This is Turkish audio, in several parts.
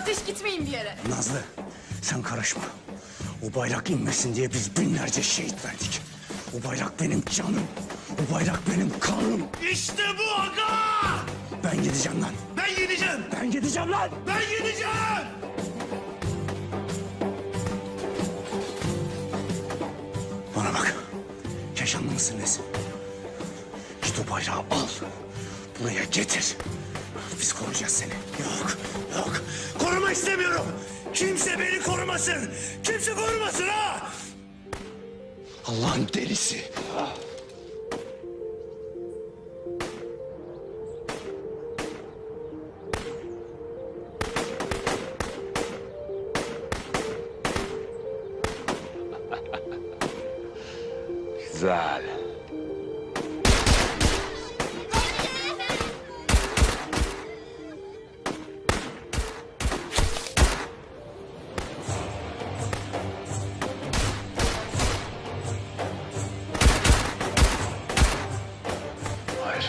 ateş gitmeyin bir yere. Nazlı, sen karışma. O bayrak inmesin diye biz binlerce şehit verdik. O bayrak benim canım. O bayrak benim kanım. İşte bu aga! Ben gideceğim lan. Ben gideceğim! Ben gideceğim lan. Ben gideceğim! Bana bak. Keşanlı mısın nesin? Git o bayrağı al. Buraya getir. Biz koruyacağız seni. Yok, yok. Koruma istemiyorum. Kimse beni korumasın. Kimse korumasın ha! Allah'ın delisi. Güzel. Hayır.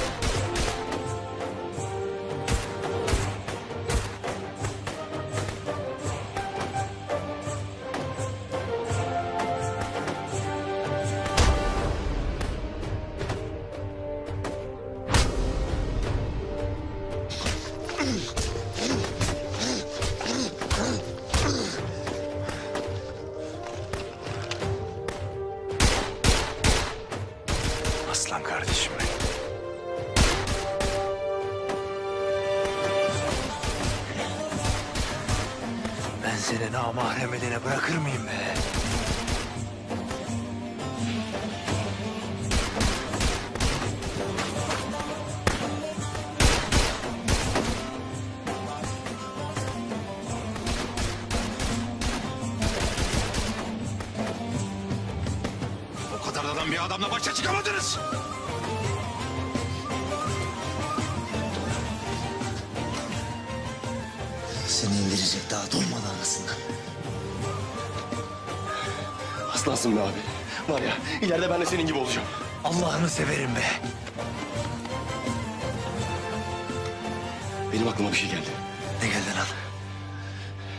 Aslan kardeşim benim. Ben seni namahrem edene bırakır mıyım be? O kadar adam bir adamla başa çıkamadınız. Seni indirecek daha doymadı anasından. Aslansın be abi. Var ya ileride ben de senin gibi olacağım. Allah'ını severim be. Benim aklıma bir şey geldi. Ne geldi lan?